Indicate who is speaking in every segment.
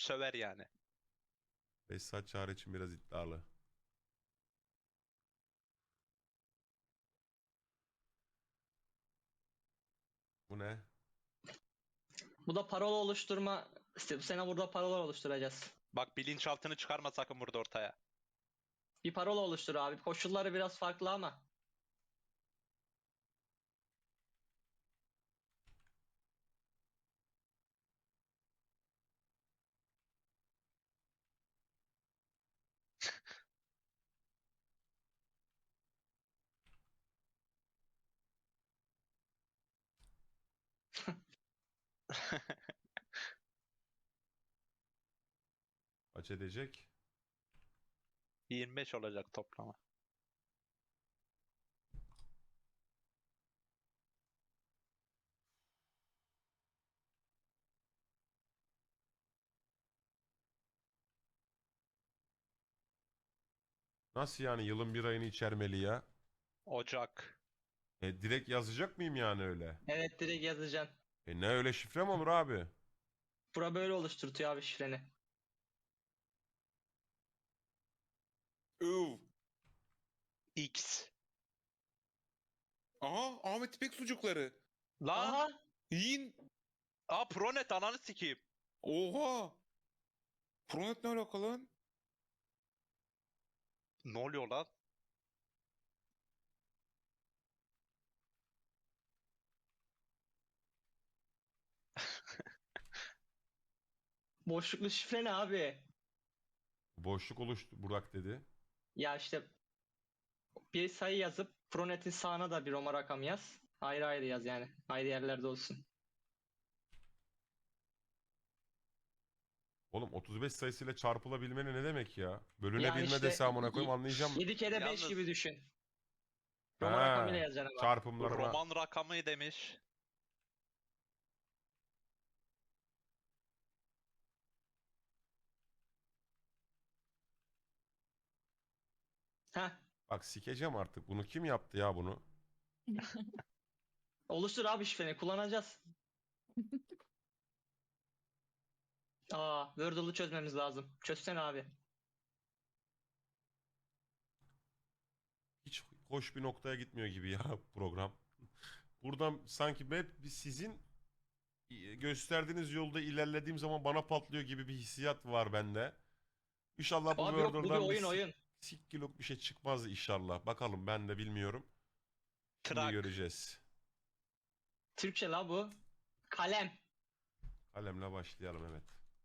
Speaker 1: söver yani.
Speaker 2: 5 saat çağrı için biraz iddialı. Bu ne?
Speaker 3: Bu da parola oluşturma. İşte bu sene burada parola oluşturacağız.
Speaker 1: Bak bilinçaltını çıkarma sakın burada ortaya.
Speaker 3: Bir parola oluştur abi. Koşulları biraz farklı ama.
Speaker 2: Kaç edecek?
Speaker 1: 25 olacak toplama.
Speaker 2: Nasıl yani yılın bir ayını içermeli ya?
Speaker 1: Ocak.
Speaker 2: Direkt yazacak mıyım yani öyle?
Speaker 3: Evet, direkt yazacaksın.
Speaker 2: Ne öyle şifre mi olur abi?
Speaker 3: Bura böyle oluşturtuyor abi şifreni.
Speaker 4: Iv.
Speaker 1: X.
Speaker 4: Aha Ahmet İpek sucukları.
Speaker 1: Lan.
Speaker 3: Aha.
Speaker 4: Yiyin.
Speaker 1: Pronet ananı sikeyim.
Speaker 4: Oha. Pronet ne alaka lan?
Speaker 1: Ne oluyor lan?
Speaker 3: Boşluklu şifre ne abi?
Speaker 2: Boşluk oluştu Burak dedi.
Speaker 3: Ya işte bir sayı yazıp Pronet'in sağına da bir Roma rakam yaz. Ayrı ayrı yaz yani. Ayrı yerlerde olsun.
Speaker 2: Oğlum 35 sayısıyla çarpılabilmeni ne demek ya? Bölünebilme
Speaker 3: Yani işte
Speaker 2: dese amına koyayım anlayacağım.
Speaker 3: 7 kere 5
Speaker 1: Yalnız-
Speaker 3: gibi düşün. Roma
Speaker 2: Ha,
Speaker 3: rakamıyla yazacaksın ama.
Speaker 2: çarpımlarına.
Speaker 1: Roman rakamı demiş.
Speaker 3: Heh.
Speaker 2: Bak sikeceğim artık. Bunu kim yaptı ya bunu?
Speaker 3: Oluştur abi şifreni. Kullanacağız. Wordle'ı çözmemiz lazım. Çözsene abi.
Speaker 2: Hiç hoş bir noktaya gitmiyor gibi ya program. Buradan sanki hep sizin gösterdiğiniz yolda ilerlediğim zaman bana patlıyor gibi bir hissiyat var bende. İnşallah bu
Speaker 3: Abi yok, bu bir
Speaker 2: Wordle'dan
Speaker 3: oyun oyun.
Speaker 2: sikkilok bir şey çıkmaz inşallah. Bakalım ben de bilmiyorum. Şimdi
Speaker 1: Trak.
Speaker 2: göreceğiz.
Speaker 3: Türkçe la bu. Kalem.
Speaker 2: Kalemle başlayalım evet.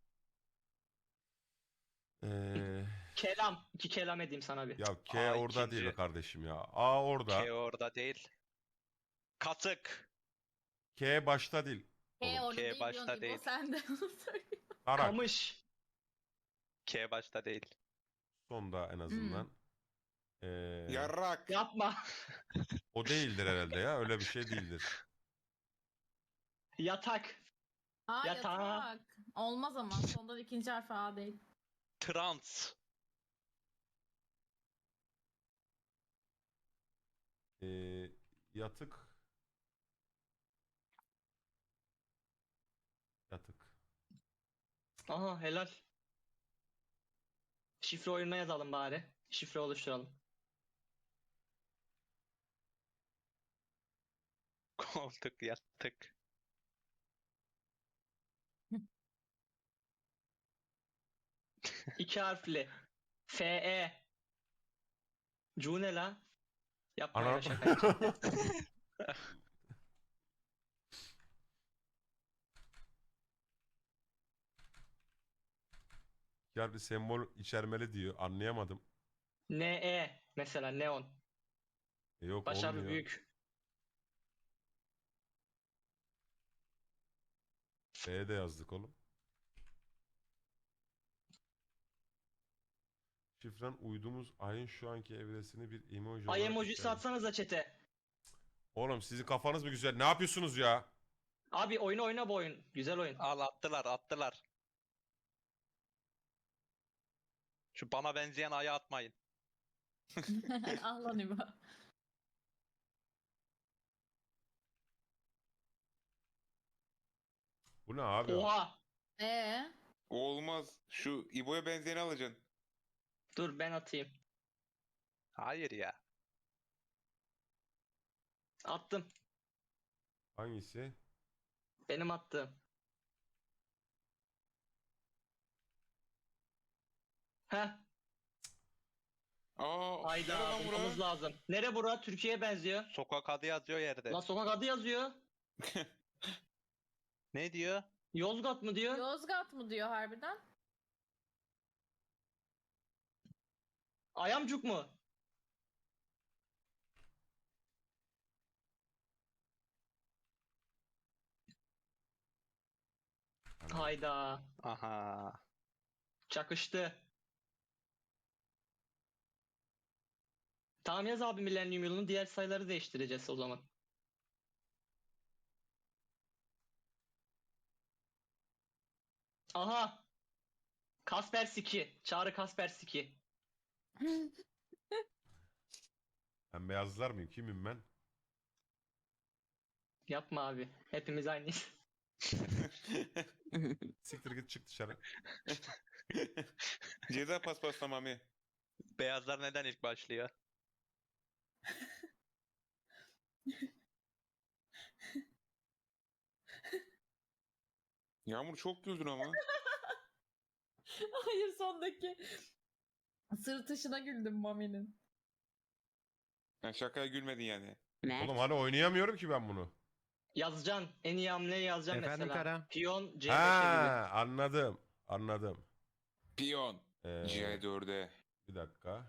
Speaker 2: Ee,
Speaker 3: Kelam. 2 kelam edeyim sana bir.
Speaker 2: ya K
Speaker 1: Aa,
Speaker 2: orada değil
Speaker 1: ikinci.
Speaker 2: be kardeşim ya. A orada.
Speaker 1: K orada değil. Katık.
Speaker 2: K başta değil.
Speaker 5: Orada
Speaker 1: K
Speaker 5: değil
Speaker 1: başta
Speaker 5: diyorsun İbo,
Speaker 1: değil.
Speaker 5: sen de onu söyle.
Speaker 2: Tarak.
Speaker 3: Kamış.
Speaker 1: K başta değil.
Speaker 2: Sonda en azından. Ee,
Speaker 4: Yarrak.
Speaker 3: Yapma.
Speaker 2: o değildir herhalde ya. Öyle bir şey değildir.
Speaker 3: Yatak. Yatağa.
Speaker 5: Yatak. Olmaz ama. Sonunda ikinci harfi A değil.
Speaker 1: Trans.
Speaker 2: Ee, yatık. Yatık.
Speaker 3: Aha, helal. Şifre oyununa yazalım bari. Şifre oluşturalım.
Speaker 1: Koltuk yattık.
Speaker 3: İki harfli. FE. Cu ne la? Yapma
Speaker 2: Ana.
Speaker 3: ya, şaka yapacağım.
Speaker 2: Ya bir sembol içermeli diyor. Anlayamadım.
Speaker 3: NE mesela, neon.
Speaker 2: Yok
Speaker 3: Baş harfi
Speaker 2: olmuyor.
Speaker 3: büyük.
Speaker 2: B de yazdık oğlum. Şifren uydumuz ayın şu anki evresini bir emoji
Speaker 3: Ay
Speaker 2: olarak
Speaker 3: emojisi
Speaker 2: işaret-
Speaker 3: atsanıza chat'e.
Speaker 2: Oğlum sizin kafanız mı güzel? Ne yapıyorsunuz ya?
Speaker 3: Abi oyunu oyna, bu oyun. Güzel oyun.
Speaker 1: Al attılar attılar. Şu bana benzeyen aya atmayın.
Speaker 5: Ah lan İbo.
Speaker 2: Bu ne abi?
Speaker 3: Oha.
Speaker 5: Ee,
Speaker 4: O olmaz. Şu İbo'ya benzeyeni alacaksın.
Speaker 3: Dur ben atayım.
Speaker 1: Hayır ya.
Speaker 3: Attım.
Speaker 2: Hangisi?
Speaker 3: Benim attığım. Heh.
Speaker 4: Aa, nerede
Speaker 3: Hayda
Speaker 4: lan bura?
Speaker 3: bulmamız lazım. Nere bura? Türkiye'ye benziyor.
Speaker 1: Sokak adı yazıyor yerde.
Speaker 3: La sokak adı yazıyor.
Speaker 1: Ne diyor?
Speaker 3: Yozgat mı diyor?
Speaker 5: Yozgat mı diyor harbiden?
Speaker 3: Ayamcuk mu? Hayda.
Speaker 1: Aha.
Speaker 3: Çakıştı. Tamam yaz abi milenyum yılını, diğer sayıları değiştireceğiz o zaman. Aha. Kaspersky. Çağrı Kaspersky.
Speaker 2: Ben beyazlar mıyım? Kimim ben?
Speaker 3: Yapma abi. Hepimiz aynıyız.
Speaker 2: Siktir git çık dışarı.
Speaker 4: Ceza paspasla Mami.
Speaker 1: Beyazlar neden ilk başlıyor?
Speaker 4: Yağmur çok güldün ama.
Speaker 5: Hayır, sondaki sırıtışına güldüm Mami'nin.
Speaker 4: Yani şakaya gülmedin yani.
Speaker 2: Oğlum hani oynayamıyorum ki ben bunu.
Speaker 3: Yazacaksın. En iyi hamleyi yazacaksın
Speaker 6: Efendim
Speaker 3: mesela.
Speaker 6: Kara?
Speaker 3: Piyon C5'e gibi.
Speaker 2: Ha, anladım. Anladım.
Speaker 4: Piyon.
Speaker 2: Ee,
Speaker 4: C4'e.
Speaker 2: bir dakika.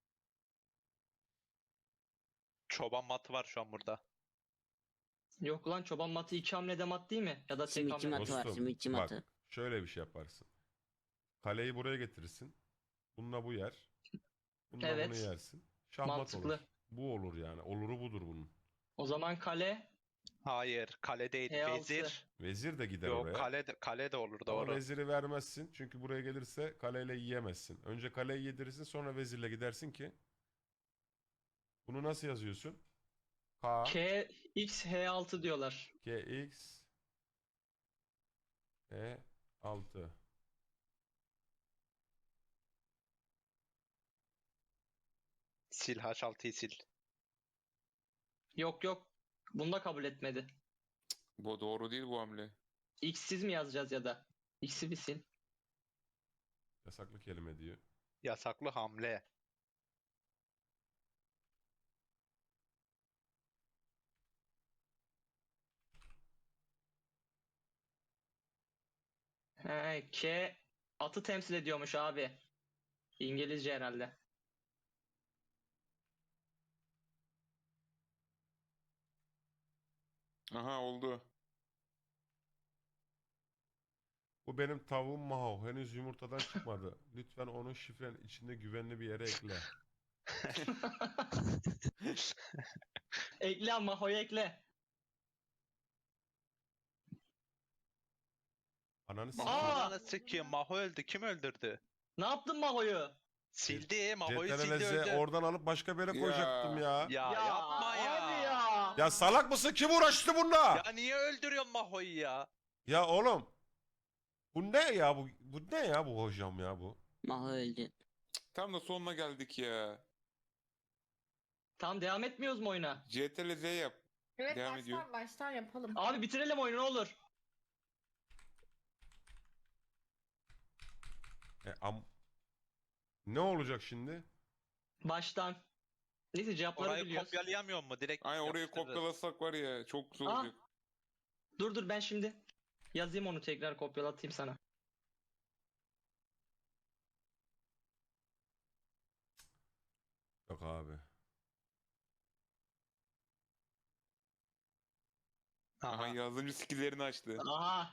Speaker 1: Çoban matı var şu an burada.
Speaker 3: Yok lan, çoban matı iki hamlede mat değil mi? Ya da tek
Speaker 7: Simitçi
Speaker 3: hamlede.
Speaker 7: matı var,
Speaker 2: Dostum,
Speaker 7: simitçi
Speaker 2: bak
Speaker 7: matı.
Speaker 2: şöyle bir şey yaparsın. Kaleyi buraya getirirsin. Bununla bu yer. Bununla
Speaker 3: Evet.
Speaker 2: bunu yersin. Şahmat
Speaker 3: Mantıklı.
Speaker 2: olur. Bu olur yani. Oluru budur bunun.
Speaker 3: O zaman kale
Speaker 1: Hayır, kale değil.
Speaker 3: E6.
Speaker 1: Vezir.
Speaker 2: Vezir de gider
Speaker 1: Yok,
Speaker 2: oraya.
Speaker 1: kale de olur,
Speaker 2: Ama
Speaker 1: doğru.
Speaker 2: veziri vermezsin. Çünkü buraya gelirse kaleyle yiyemezsin. Önce kaleyi yedirirsin, sonra vezirle gidersin ki. Bunu nasıl yazıyorsun? K,
Speaker 3: K X H6 diyorlar.
Speaker 2: G, X, E, 6.
Speaker 1: Sil H6'yı sil.
Speaker 3: Yok yok. Bunu da kabul etmedi.
Speaker 4: Bu doğru değil bu hamle.
Speaker 3: X'siz mi yazacağız ya da? X'i bir sil.
Speaker 2: Yasaklı kelime diyor.
Speaker 1: Yasaklı hamle.
Speaker 3: He, K atı temsil ediyormuş abi. İngilizce herhalde.
Speaker 4: Aha oldu.
Speaker 2: Bu benim tavuğum Maho. Henüz yumurtadan çıkmadı. Lütfen onu şifrenin içinde güvenli bir yere ekle.
Speaker 3: Ekle ama Maho'yu ekle.
Speaker 2: Ananı
Speaker 3: Aa!
Speaker 2: sikeyim.
Speaker 1: Ananı sikeyim. Maho öldü. Kim öldürdü?
Speaker 3: Ne yaptın Maho'yu?
Speaker 1: Sildi. Maho'yu sildi,
Speaker 2: CTRL Z
Speaker 1: öldü.
Speaker 2: oradan alıp başka bir yere
Speaker 4: Ya.
Speaker 2: koyacaktım ya.
Speaker 1: Ya yapma ya.
Speaker 3: Abi ya.
Speaker 2: Ya salak mısın? Kim uğraştı bununla?
Speaker 1: Ya niye öldürüyorsun Maho'yu ya?
Speaker 2: Ya oğlum. Bu ne ya bu? Bu ne ya bu hocam ya bu?
Speaker 7: Maho öldü.
Speaker 4: Tam da sonuna geldik ya.
Speaker 3: Tamam, devam etmiyoruz mu oyuna?
Speaker 4: CTRL Z yap.
Speaker 5: Evet,
Speaker 4: Devam ediyor.
Speaker 5: baştan yapalım.
Speaker 3: Abi bitirelim oyunu, ne olur.
Speaker 2: Ne olacak şimdi?
Speaker 3: Baştan. Neyse cevapları
Speaker 1: Orayı
Speaker 3: biliyoruz.
Speaker 1: kopyalayamıyor mu? Direkt
Speaker 4: Aynen orayı
Speaker 1: yapıştırırız.
Speaker 4: kopyalasak var ya çok güzel
Speaker 3: Aa.
Speaker 4: olacak.
Speaker 3: Dur ben şimdi yazayım, onu tekrar kopyalatayım sana.
Speaker 2: Yok abi.
Speaker 4: Aha
Speaker 1: Aha.
Speaker 4: yazılımcı skill'lerini açtı.
Speaker 3: Aha.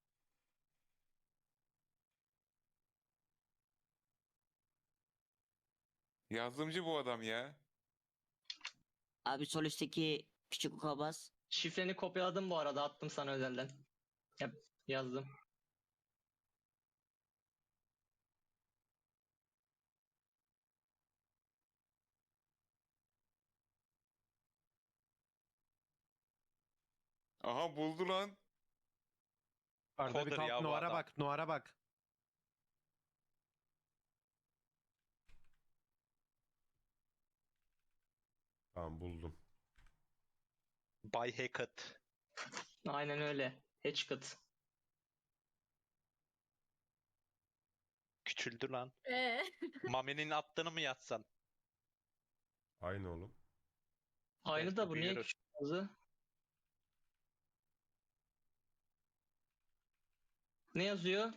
Speaker 4: Yazılımcı bu adam ya.
Speaker 7: Abi sol üstteki küçük oka bas.
Speaker 3: Şifreni kopyaladım bu arada, attım sana özelden. Yazdım.
Speaker 4: Aha buldu lan.
Speaker 6: Arada bir
Speaker 1: Coder
Speaker 6: kalk
Speaker 1: ya bu
Speaker 6: Noar'a
Speaker 1: adam.
Speaker 6: bak, Noar'a bak.
Speaker 2: Tamam buldum.
Speaker 1: Bay Hackett.
Speaker 3: Aynen öyle. Hatchcock.
Speaker 1: Küçüldü lan.
Speaker 5: Ee,
Speaker 1: Mami'nin attığını mı yazsan?
Speaker 2: Aynı oğlum.
Speaker 3: Aynı da bu niye
Speaker 1: büyüyoruz.
Speaker 3: küçük yazı? Ne yazıyor?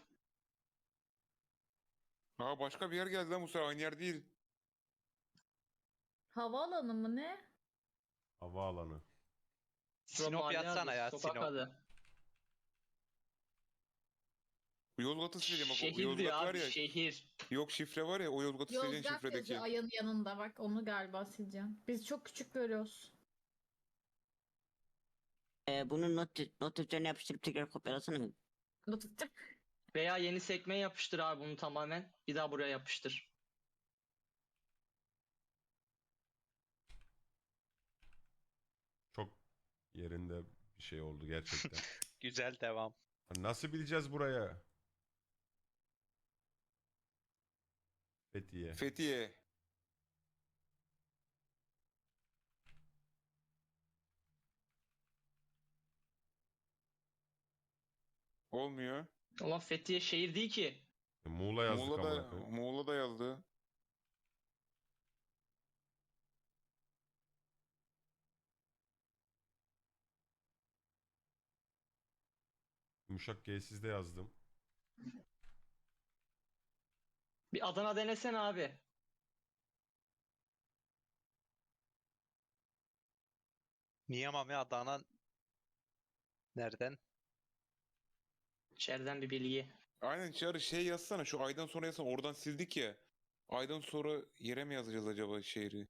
Speaker 4: Aa başka bir yer geldi lan bu sefer aynı yer değil.
Speaker 5: havaalanı mı ne?
Speaker 2: Havaalanı.
Speaker 1: Sinop
Speaker 3: Mahalle
Speaker 1: yazsana
Speaker 3: adı,
Speaker 1: ya
Speaker 3: sokak
Speaker 1: Sinop.
Speaker 3: adı.
Speaker 4: Bu Yozgat'ı sileceğim bak. O
Speaker 3: Şehir diyor
Speaker 4: Yozgat var
Speaker 3: abi,
Speaker 4: ya.
Speaker 3: şehir.
Speaker 4: Yok şifre var ya o Yozgat'ı sileceksin
Speaker 5: Yozgat
Speaker 4: şifredeki.
Speaker 5: yazıyor ayın yanında bak onu galiba sileceğim. Biz çok küçük görüyoruz.
Speaker 7: Bunun not defterine yapıştırıp tekrar kopyalasana.
Speaker 3: Veya yeni sekmeye yapıştır abi bunu tamamen. Bir daha buraya yapıştır.
Speaker 2: Çok yerinde bir şey oldu gerçekten.
Speaker 1: Güzel devam.
Speaker 2: Nasıl bileceğiz buraya? Fethiye.
Speaker 4: Fethiye. Olmuyor.
Speaker 3: Ulan Fethiye şehir değil ki.
Speaker 2: Muğla yazdık amına
Speaker 4: Muğla'da,
Speaker 2: koyayım.
Speaker 4: Muğla'da yazdı.
Speaker 2: Yumuşak G'siz de yazdım.
Speaker 3: Bir Adana denesene abi.
Speaker 1: Niye Mami Adana? Nereden?
Speaker 3: İçeriden bir bilgi.
Speaker 4: Aynen Çağrı şey yazsana şu aydan sonra yazsana oradan sildik ya. Aydan sonra yere mi yazacağız acaba şehri?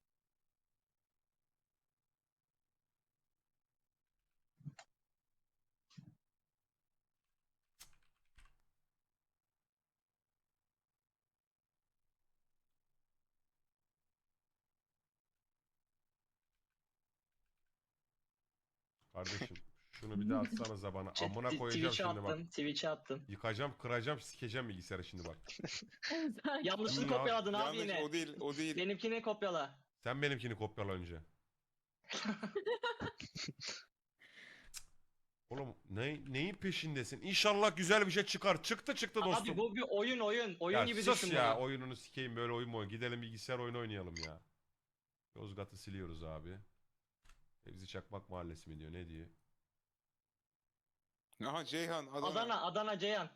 Speaker 2: Kardeşim şunu bir daha atsanıza bana. Amına koyacağım
Speaker 3: Twitch'e
Speaker 2: şimdi bak.
Speaker 3: attım. Twitch'e attım.
Speaker 2: Yıkacağım, kıracağım, sikeceğim bilgisayarı şimdi bak.
Speaker 3: Yanlışını
Speaker 2: Ya,
Speaker 3: kopyaladın abi
Speaker 4: Yanlış
Speaker 3: yine.
Speaker 4: o değil o değil.
Speaker 3: Benimkini kopyala.
Speaker 2: Sen benimkini kopyala önce. Oğlum neyin peşindesin? İnşallah güzel bir şey çıkar. Çıktı dostum.
Speaker 3: Abi bu bir oyun oyun. Oyun
Speaker 2: Ya
Speaker 3: gibi
Speaker 2: sus
Speaker 3: düşün
Speaker 2: ya
Speaker 3: bunu.
Speaker 2: oyununu sikeyim böyle oyun mu oyun. Gidelim bilgisayar oyunu oynayalım ya. Yozgat'ı siliyoruz abi. Fevzi Çakmak Mahallesi mi diyor ne diyor?
Speaker 4: Aha Ceyhan Adana.
Speaker 3: Adana Ceyhan.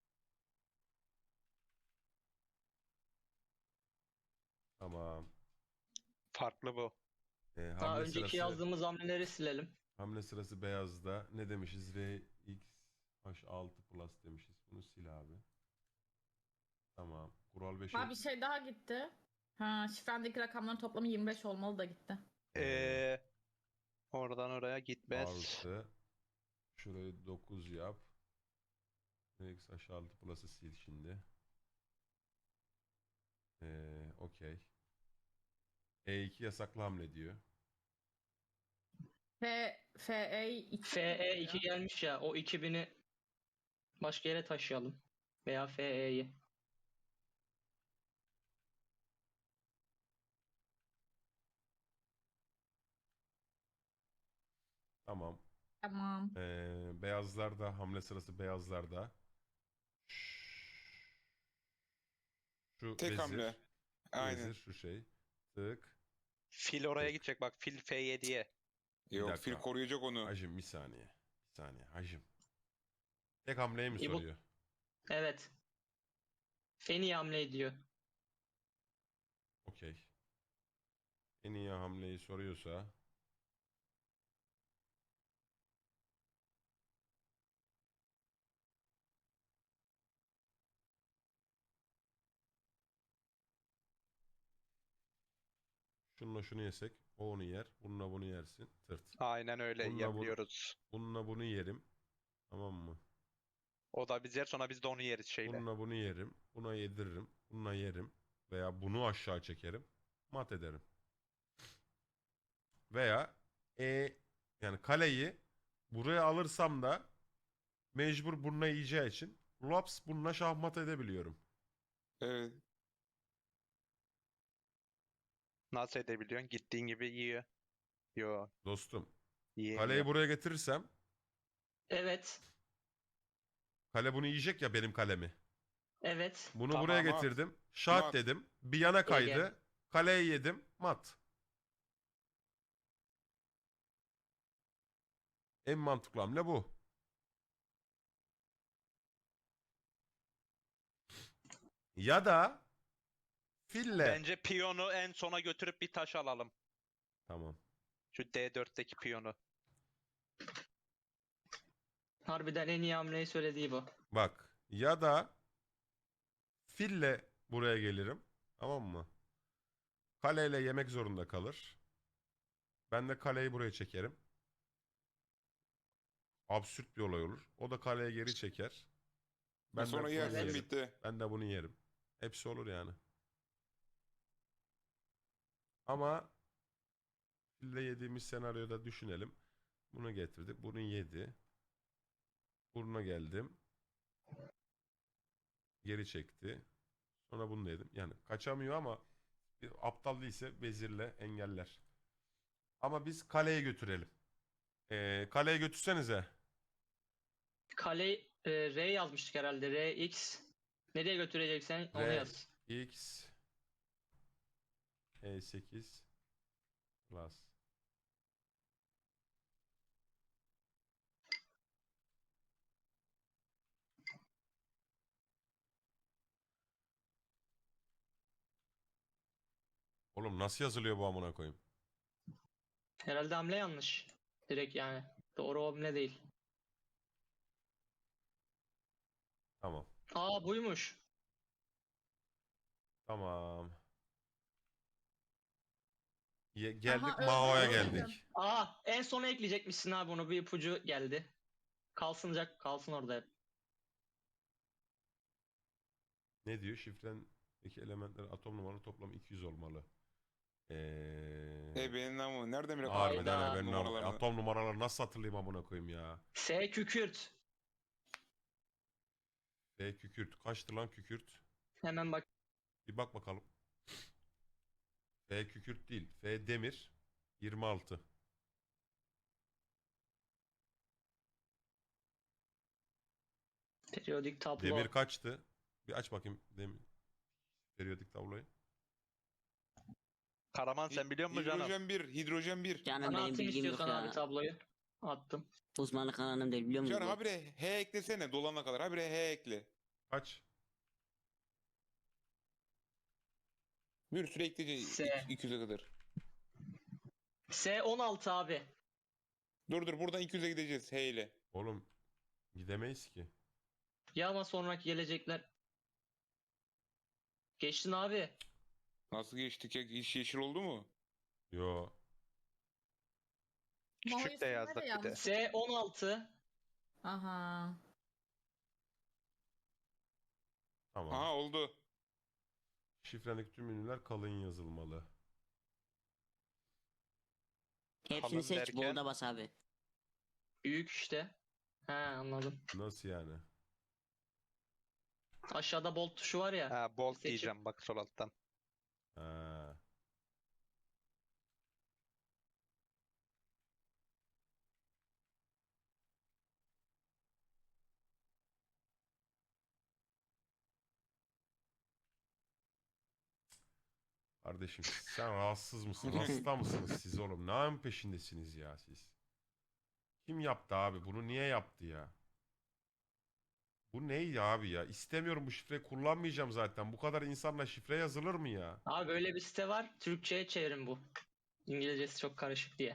Speaker 2: Tamam.
Speaker 1: Farklı bu.
Speaker 3: Daha
Speaker 2: Hamle
Speaker 3: önceki
Speaker 2: sırası,
Speaker 3: yazdığımız hamleleri silelim.
Speaker 2: hamle sırası beyazda. Ne demişiz? RX-6 Plus demişiz. Bunu sil abi. Tamam. Kural 5'e.
Speaker 5: Ha bir şey daha gitti. Ha şifrendeki rakamların toplamı 25 olmalı da gitti.
Speaker 1: Oradan oraya gitmez.
Speaker 2: Artı. Şurayı 9 yap. RX-6 Plus'ı sil şimdi. Okey. E2 yasaklı hamle diyor.
Speaker 5: FE 2.
Speaker 3: FE2 gelmiş ya. O 2000'i başka yere taşıyalım. Veya FE'yi.
Speaker 2: Tamam.
Speaker 5: Tamam.
Speaker 2: Beyazlarda hamle sırası beyazlarda. Şu
Speaker 4: Tek
Speaker 2: vezir.
Speaker 4: hamle. Aynen.
Speaker 2: Vezir şu şey. Tık.
Speaker 1: Fil oraya
Speaker 2: Tık.
Speaker 1: gidecek bak. Fil F7'ye.
Speaker 2: Bir
Speaker 4: Yok
Speaker 2: dakika.
Speaker 4: fil koruyacak onu.
Speaker 2: Hacım bir saniye. Bir saniye hacım. Tek hamleyi mi
Speaker 3: İbo-
Speaker 2: soruyor?
Speaker 3: Evet. Feni hamle ediyor.
Speaker 2: Okey. En iyi hamleyi soruyorsa şununla şunu yesek o onu yer. Bununla bunu yersin. Tırt.
Speaker 1: Aynen öyle
Speaker 2: Bununla bunu-
Speaker 1: yapıyoruz.
Speaker 2: Bununla bunu yerim. Tamam mı?
Speaker 1: O da biz yer sonra biz de onu yeriz şeyle.
Speaker 2: Bununla bunu yerim. Buna yediririm. Bununla yerim. Veya bunu aşağı çekerim. Mat ederim. Veya yani kaleyi buraya alırsam da mecbur bununla yiyeceği için laps bununla şahmat edebiliyorum.
Speaker 4: Evet.
Speaker 1: Nasıl edebiliyorsun? Gittiğin gibi yiyor. Yo.
Speaker 2: Dostum.
Speaker 1: Yiyeyim
Speaker 2: Kaleyi
Speaker 1: ya.
Speaker 2: buraya getirirsem
Speaker 3: Evet.
Speaker 2: kale bunu yiyecek ya benim kalemi.
Speaker 3: Evet.
Speaker 2: Bunu
Speaker 1: Tamam,
Speaker 2: buraya
Speaker 4: mat.
Speaker 2: getirdim. Şart
Speaker 4: Mat.
Speaker 2: dedim. Bir yana kaydı.
Speaker 3: Ege.
Speaker 2: Kaleyi yedim. Mat. En mantıklı hamle bu. Ya da fille.
Speaker 1: Bence piyonu en sona götürüp bir taş alalım.
Speaker 2: Tamam.
Speaker 1: Şu D4'teki piyonu.
Speaker 3: Harbiden en iyi hamleyi söylediği bu.
Speaker 2: Bak. Ya da fille buraya gelirim. Tamam mı? Kaleyle yemek zorunda kalır. Ben de kaleyi buraya çekerim. Absürt bir olay olur. O da kaleye geri çeker. Ben
Speaker 4: Sonra
Speaker 2: de bunu
Speaker 4: yersin
Speaker 2: yerim.
Speaker 4: bitti.
Speaker 2: Ben de bunu yerim. Hepsi olur yani. Ama fille yediğimiz senaryoda düşünelim. Bunu getirdik. Bunu yedi. Buruna geldim. Geri çekti. Sonra bunu da yedim. Yani kaçamıyor ama aptal değilse vezirle engeller. Ama biz kaleye götürelim. Kaleye götürsenize.
Speaker 3: Kale R yazmıştık herhalde. RX. Nereye götüreceksen onu
Speaker 2: R,
Speaker 3: yaz.
Speaker 2: X, E8 plus. Oğlum nasıl yazılıyor bu amına koyayım?
Speaker 3: Herhalde hamle yanlış. Direkt yani. Doğru hamle değil.
Speaker 2: Tamam.
Speaker 3: Aa buymuş.
Speaker 2: Tamam. Geldik
Speaker 5: Aha,
Speaker 2: Mao'ya
Speaker 5: öldüm.
Speaker 2: geldik.
Speaker 3: Aa en sona ekleyecekmişsin abi onu. Bir ipucu geldi. Kalsın orada hep.
Speaker 2: Ne diyor? Şifrendeki elementlerin atom numaralı toplam 200 olmalı.
Speaker 4: Benim namı. Nereden bile
Speaker 2: Harbiden
Speaker 3: Hayda.
Speaker 2: ben
Speaker 4: numaralarını.
Speaker 2: atom numaraları nasıl hatırlayayım amına koyayım ya?
Speaker 3: S kükürt.
Speaker 2: F kükürt. Kaçtı lan kükürt?
Speaker 3: Hemen bak.
Speaker 2: Bir bak bakalım. F kükürt değil. F demir. 26.
Speaker 3: Periyodik tablo.
Speaker 2: Demir kaçtı? Bir aç bakayım demir. Periyodik tabloyu.
Speaker 1: Karaman sen biliyor musun canım?
Speaker 4: Hidrojen 1. Hidrojen 1.
Speaker 7: Canım
Speaker 3: Bana
Speaker 7: benim
Speaker 3: atayım
Speaker 7: bilgim yok
Speaker 3: istiyorsan abi
Speaker 7: ya.
Speaker 3: tabloyu. Attım.
Speaker 7: Uzmanlık alanım değil biliyor musun?
Speaker 4: Can habire H eklesene dolana kadar. Habire H ekle.
Speaker 2: Kaç?
Speaker 4: Bir süre ekleyeceksin
Speaker 3: S.
Speaker 4: 200'e kadar.
Speaker 3: S 16 abi.
Speaker 4: Dur buradan 200'e gideceğiz H ile.
Speaker 2: Oğlum gidemeyiz ki.
Speaker 3: Ya ama sonraki gelecekler. Geçtin abi.
Speaker 4: Nasıl geçtik ya? İş yeşil oldu mu?
Speaker 2: Yo.
Speaker 5: Mao'yu
Speaker 1: Küçük de yazdık
Speaker 5: silme
Speaker 1: bir de.
Speaker 5: yanlış.
Speaker 3: S 16.
Speaker 5: Aha.
Speaker 2: Tamam.
Speaker 4: Aha oldu.
Speaker 2: Şifrendeki tüm ünlüler kalın yazılmalı.
Speaker 7: Hepsini
Speaker 1: Kalın
Speaker 7: seç
Speaker 1: derken?
Speaker 7: bolda bas abi.
Speaker 3: Büyük işte. He anladım.
Speaker 2: Nasıl yani?
Speaker 3: Aşağıda bolt tuşu var ya.
Speaker 1: Ha, bolt
Speaker 3: Seçim.
Speaker 1: diyeceğim bak sol alttan.
Speaker 2: Ha. Kardeşim sen rahatsız mısın? Hasta mısınız siz oğlum? Neyin peşindesiniz ya siz? Kim yaptı abi? Bunu niye yaptı ya? Bu neydi abi ya? İstemiyorum bu şifreyi kullanmayacağım zaten. Bu kadar insanla şifre yazılır mı ya?
Speaker 3: Abi böyle bir site var. Türkçe'ye çevirin bu. İngilizcesi çok karışık diye.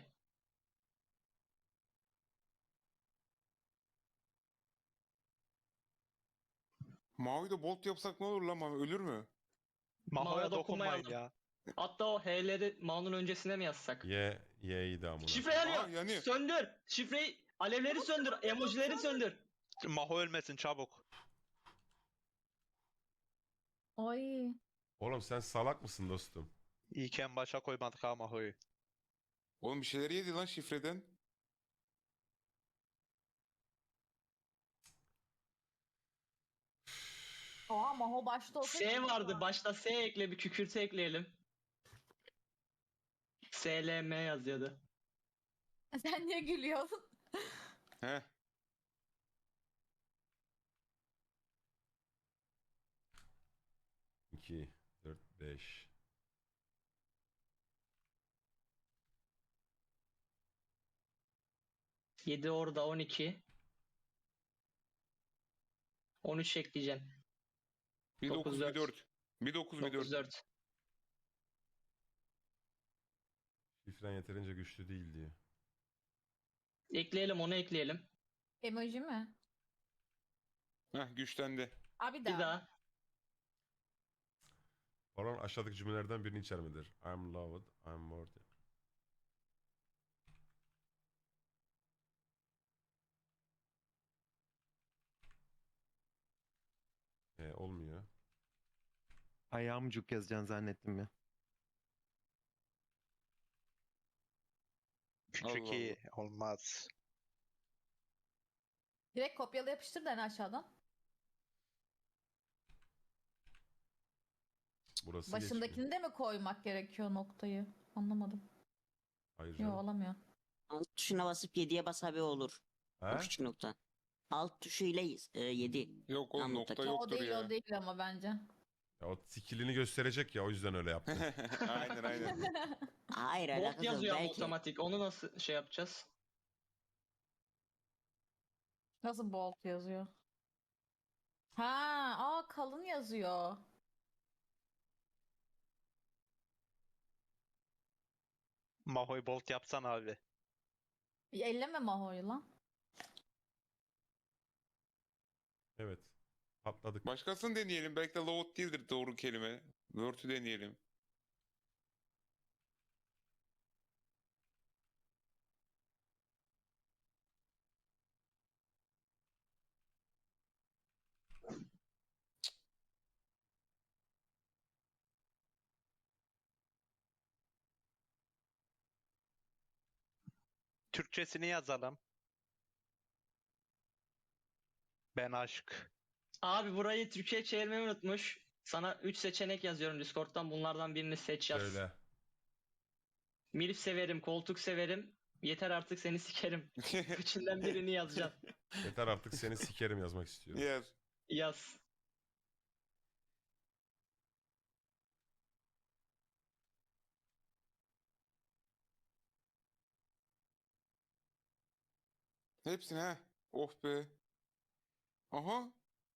Speaker 4: Mavi de bolt yapsak ne olur lan Mavi? Ölür mü?
Speaker 1: Maho'ya
Speaker 3: dokunmayalım.
Speaker 1: dokunmayın ya.
Speaker 3: Hatta o H'leri Ma'nın öncesine mi yazsak?
Speaker 2: Y'yi de amına.
Speaker 3: Şifre yanıyor.
Speaker 4: Aa, yanıyor.
Speaker 3: Söndür. Şifreyi, alevleri söndür. Emojileri söndür.
Speaker 1: Maho ölmesin çabuk.
Speaker 5: Ay.
Speaker 2: Oğlum sen salak mısın dostum?
Speaker 1: İyiyken başa koymadık ha Maho'yu.
Speaker 4: Oğlum bir şeyler yedi lan şifreden.
Speaker 5: Oha Maho başta olsa.
Speaker 3: S vardı. Başta S ekle, bir kükürtü ekleyelim. SLM yazıyordu.
Speaker 5: Sen niye gülüyorsun?
Speaker 4: Heh.
Speaker 2: İki, dört, beş.
Speaker 3: Yedi orada 12. 13 ekleyeceksin.
Speaker 4: Bir 9 bir 4. Bir 9 bir 4.
Speaker 3: 9-4.
Speaker 2: Şifren yeterince güçlü değil diyor.
Speaker 3: Ekleyelim, onu ekleyelim.
Speaker 5: Emoji mi?
Speaker 4: Heh, güçlendi.
Speaker 5: Abi
Speaker 3: Bir
Speaker 5: daha.
Speaker 3: daha.
Speaker 2: Baron aşağıdaki cümlelerden birini içermedir. I'm loved, I'm worthy. Olmuyor.
Speaker 6: Ayağımcuk yazacaksın zannettim ya.
Speaker 1: Küçük
Speaker 4: Allah
Speaker 1: iyi olmaz.
Speaker 5: Direkt kopyala yapıştır da en aşağıdan.
Speaker 2: Burası
Speaker 5: Başındakini
Speaker 2: geçmiyor.
Speaker 5: de mi koymak gerekiyor noktayı? Anlamadım.
Speaker 2: Hayır
Speaker 5: Yok
Speaker 2: canım.
Speaker 5: olamıyor.
Speaker 7: Alt tuşuna basıp 7'ye bas abi olur. O
Speaker 2: He?
Speaker 7: küçük nokta. Alt tuşuyla 7.
Speaker 4: Yok oğlum
Speaker 7: Tam
Speaker 4: nokta
Speaker 7: nokta.
Speaker 5: O
Speaker 4: yoktur
Speaker 5: değil
Speaker 4: ya.
Speaker 5: o değil ama bence.
Speaker 2: Ya o skillini gösterecek ya o yüzden öyle yaptı.
Speaker 4: Aynen aynen.
Speaker 7: Hayır
Speaker 3: Bolt
Speaker 7: alakası yok.
Speaker 3: yazıyor ama
Speaker 7: Belki
Speaker 3: otomatik. Onu nasıl şey yapacağız?
Speaker 5: Nasıl bold yazıyor? Ha, kalın yazıyor.
Speaker 1: Mahoy Bolt yapsan abi.
Speaker 5: Elleme Maho'yu lan.
Speaker 2: Evet. Patladık.
Speaker 4: Başkasını deneyelim. Belki de load değildir doğru kelime. Word'ü deneyelim.
Speaker 1: Türkçesini yazalım. Ben aşk.
Speaker 3: Abi burayı Türkçe'ye çevirmeyi unutmuş. Sana 3 seçenek yazıyorum Discord'dan. Bunlardan birini seç yaz.
Speaker 2: Şöyle.
Speaker 3: Milf severim, koltuk severim. Yeter artık seni sikerim. Üçünden birini yazacaksın.
Speaker 2: Yeter artık seni sikerim yazmak istiyorum.
Speaker 4: Yer.
Speaker 3: Yaz.
Speaker 4: Hepsini ha. Of be. Aha.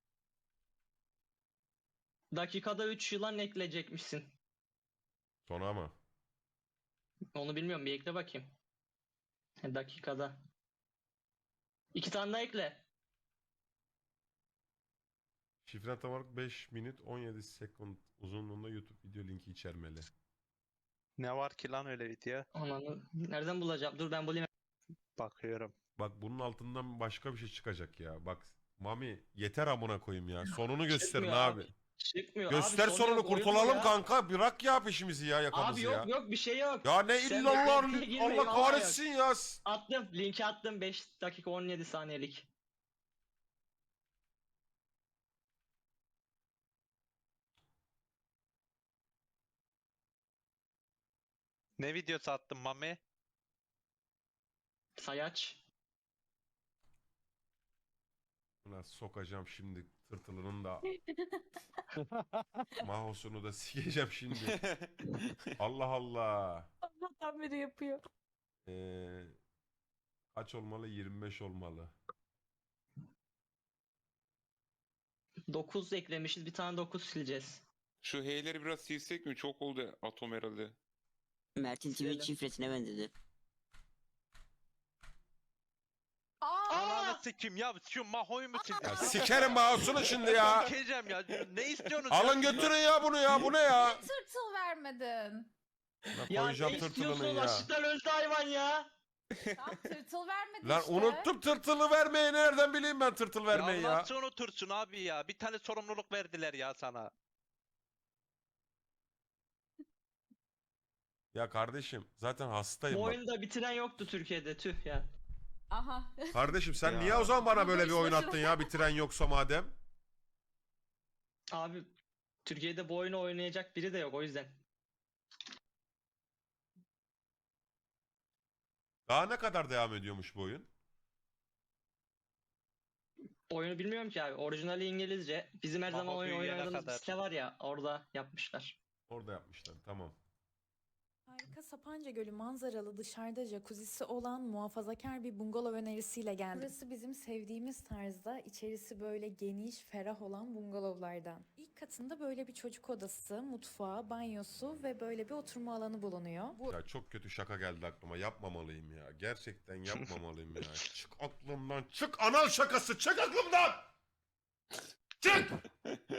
Speaker 3: Dakikada 3 yılan ekleyecekmişsin.
Speaker 2: Sona mı?
Speaker 3: Onu bilmiyorum, bir ekle bakayım. Dakikada. 2 tane daha ekle.
Speaker 2: Şifren tam olarak 5 minut 17 sekund uzunluğunda YouTube video linki içermeli.
Speaker 1: Ne var ki lan öyle video?
Speaker 3: Ananı nereden bulacağım? Dur ben bulayım.
Speaker 1: Bakıyorum.
Speaker 2: Bak bunun altından başka bir şey çıkacak ya. Bak Mami yeter amına koyayım ya. Sonunu gösterin
Speaker 3: Çıkmıyor
Speaker 2: abi.
Speaker 3: Çıkmıyor.
Speaker 2: Göster
Speaker 3: abi,
Speaker 2: sonunu
Speaker 3: yok, oyun bu
Speaker 2: kurtulalım
Speaker 3: ya.
Speaker 2: kanka. Bırak ya peşimizi ya yakamızı
Speaker 3: Abi
Speaker 2: ya.
Speaker 3: yok yok bir şey yok.
Speaker 2: Ya ne
Speaker 3: Sen
Speaker 2: illallah
Speaker 3: beklentiye girme,
Speaker 2: Allah
Speaker 3: vallahi
Speaker 2: kahretsin ya.
Speaker 3: Attım. Linki attım. 5 dakika 17 saniyelik.
Speaker 1: Ne videosu attın Mami?
Speaker 3: Sayaç.
Speaker 2: Buna sokacağım şimdi tırtılının da mahosunu da sikeceğim şimdi. Allah Allah.
Speaker 5: Allah'tan beri yapıyor.
Speaker 2: Kaç olmalı? 25 olmalı.
Speaker 3: 9 eklemişiz. Bir tane 9 sileceğiz.
Speaker 4: Şu heyleri biraz silsek mi? Çok oldu atom herhalde.
Speaker 7: Mert'in
Speaker 3: Silelim.
Speaker 7: Twitch şifresine benzedi.
Speaker 1: Ananı sikim ya şu Mahoy mu sildin?
Speaker 2: Ya sikerim mouse'unu şimdi ya.
Speaker 1: Sikeceğim ya. Ne istiyorsunuz?
Speaker 2: Alın götürün ya bunu ya. Bu ne ya?
Speaker 5: Tırtıl vermedin.
Speaker 2: Buna
Speaker 3: Ya
Speaker 2: koyacağım
Speaker 3: ne
Speaker 2: tırtılını
Speaker 3: istiyorsun?
Speaker 2: ya.
Speaker 3: Açlıktan öldü hayvan ya.
Speaker 5: Tam tırtıl vermedin
Speaker 2: Lan
Speaker 5: işte.
Speaker 2: unuttum tırtılı vermeyi. Nereden bileyim ben tırtıl vermeyi
Speaker 1: Ya
Speaker 2: ya?
Speaker 1: nasıl unutursun abi ya? Bir tane sorumluluk verdiler ya sana.
Speaker 2: Ya kardeşim zaten hastayım
Speaker 3: Bu
Speaker 2: bak.
Speaker 3: oyunu da bitiren yoktu Türkiye'de. Tüh ya.
Speaker 5: Aha.
Speaker 2: Kardeşim sen
Speaker 1: Ya.
Speaker 2: niye o zaman bana böyle bir
Speaker 5: Boş
Speaker 2: oyun
Speaker 5: boşuna.
Speaker 2: attın ya bitiren yoksa madem?
Speaker 3: Abi Türkiye'de bu oyunu oynayacak biri de yok o yüzden.
Speaker 2: Daha ne kadar devam ediyormuş bu oyun?
Speaker 3: Oyunu bilmiyorum ki abi. Orijinali İngilizce. Bizim her zaman
Speaker 1: Maho
Speaker 3: oyun
Speaker 1: büyüyene
Speaker 3: oynadığımız bir
Speaker 1: kadar.
Speaker 3: site var ya, orada yapmışlar.
Speaker 2: Orada yapmışlar. Tamam.
Speaker 6: Harika Sapanca Gölü manzaralı dışarıda jacuzzi'si olan muhafazakar bir bungalov önerisiyle geldim. Burası bizim sevdiğimiz tarzda, içerisi böyle geniş, ferah olan bungalovlardan. İlk katında böyle bir çocuk odası, mutfağı, banyosu ve böyle bir oturma alanı bulunuyor. Bu
Speaker 2: Ya çok kötü şaka geldi aklıma. Yapmamalıyım ya. Gerçekten yapmamalıyım ya. Çık aklımdan. Çık anal şakası. Çık aklımdan. Çık.